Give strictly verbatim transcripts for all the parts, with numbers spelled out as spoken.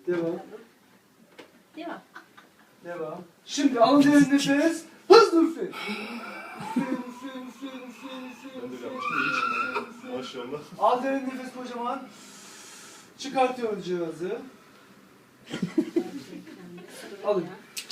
Devam. Devam. Devam. Şimdi alın derin nefes. Hızlı üfleyin. Üfleyin, üfleyin, üfleyin, üfleyin, üfleyin, Ben de üfleyin, yapmıştım, iyi üfleyin, çıkmadı. üfleyin. Maşallah. Al derin nefes kocaman. Çıkartıyoruz cihazı. Alın.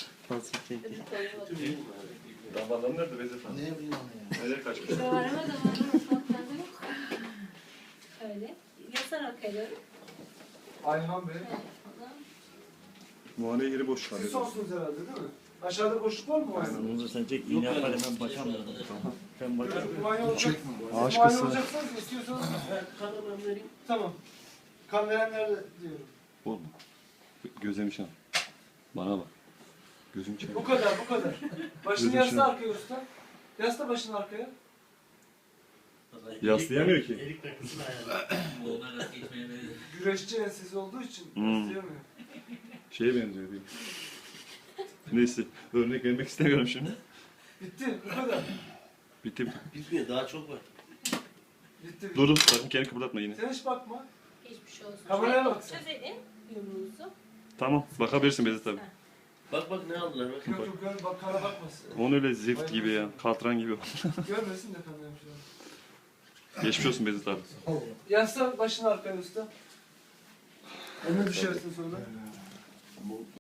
Damarlarım nerede Vezir Hanım? Ne bileyim ya. Nereye kaçmış? Damarıma damarıma mutfaklarda yok. Öyle. Yasarak alıyorum. Ayhan Bey. Muayene yeri boş Siz kalıyor. sonsunuz herhalde değil mi? Aşağıda boşluk var mı muayene? Bunu sen çek, iğne yapar hemen bakamıyorum. Ben bakarım. Muayene olacak. Çekme. Siz Ağaç muayene kısmı. olacaksanız istiyorsanız. Kanımı vereyim. Tamam. Kan verenler de diyorum. Oğlum. Gözlemiş ha. Bana bak. Gözüm çevir. Bu kadar, bu kadar. Başını Gözüm yasla şimdi. arkaya usta. Yasla başını arkaya. Yaslayamıyor ki. Elik takısını ayarlı. Onlar nasıl geçmeye benziyor. Güreşçi ensesi olduğu için Hmm. yaslayamıyor. Şeye benziyor diyeyim. Neyse. Örnek vermek istemiyorum şimdi. Bitti, bu kadar. Bitti bitti. Bitmiyor, daha çok var. Bitti, bitti. Dur dur. Sakın kendini kıpırdatma yine. Sen hiç bakma. Geçmiş olsun. Kameraya Şöyle bak sen. Çözelim yumruğunuzu. Tamam. Bakabilirsin Vezir tabii. Bak bak ne aldılar bak. Yok yok, gör, bak kana bakmasın. Onu öyle zift gibi ya. Katran gibi. Görmesin de kanıyormuş. Geçmiş olsun Vezir tabii. Yasla başını arkaya usta. Önüne düşersin sonra.